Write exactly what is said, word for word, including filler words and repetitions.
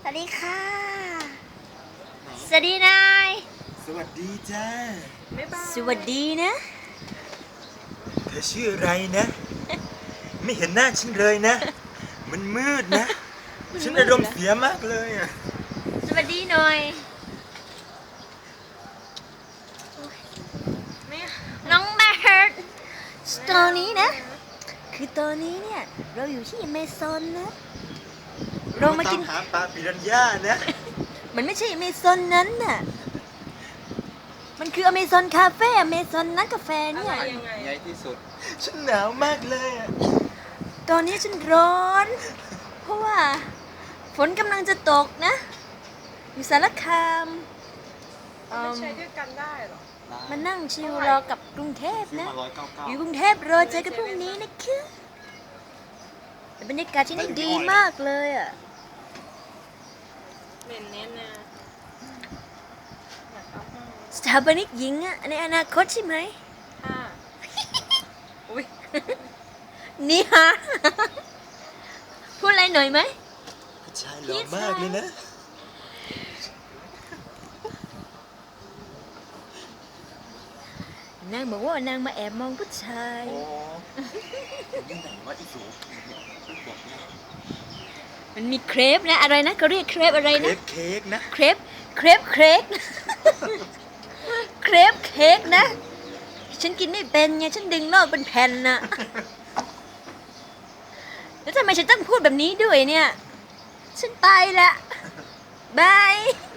วัสดีค่ะสวัสดีนายสวัสดีจ้าสวัสดีนะเธอชื่ออะไรนะ ไม่เห็นหน้าฉันเลยนะ มันมืดนะ ฉันอารมณ์เสียมากเลยอ่ะสวัสดีหน่อยน้องแบร์ตอนนี้นะคือตอนนี้เนี่ยเราอยู่ที่อเมซอนนะเรามากินหาปลาปิรันย่านะมันไม่ใช่อเมซอนนั้นน่ะมันคืออเมซอนคาเฟ่อเมซอนนักกาแฟเนี่ยใหญ่ที่สุด ฉันหนาวมากเลยอ่ะตอนนี้ฉันร้อน เพราะว่าฝนกำลังจะตกนะอยู่สารคามเอิ่มันมใช้ด้วยกันได้เหรอมานั่งชิลรอกับกรุงเทพนะมาร้อยเก้าเก้าอยู่กรุงเทพรอเจอกันพรุ่งนี้นะคะแต่บรรยากาศที่นี่ดีมากเลยอ่ะเหม็นเน้นนะอยากเอาห้องสถาปนิกหญิงอ่ะในอนาคตใช่ไหมห้าอุ้ยนี่ฮะ พูดอะไรหน่อยไหมผู้ชายหล่อมากเลยนะนางบอกว่านางมาแอบมองผู้ชายโอ้ที่ไหนวะอีสูบอกนะมันมีเครปนะอะไรนะเขาเรียกเครปอะไรเครนะปเค้กนะเครปเครปเค้ก เครปเค้กนะ ฉันกินไม่เป็นไงฉันดึงนอกเป็นแผ่นน่ะ แล้วทำไมฉันต้องพูดแบบนี้ด้วยเนี่ย ฉันไปละบาย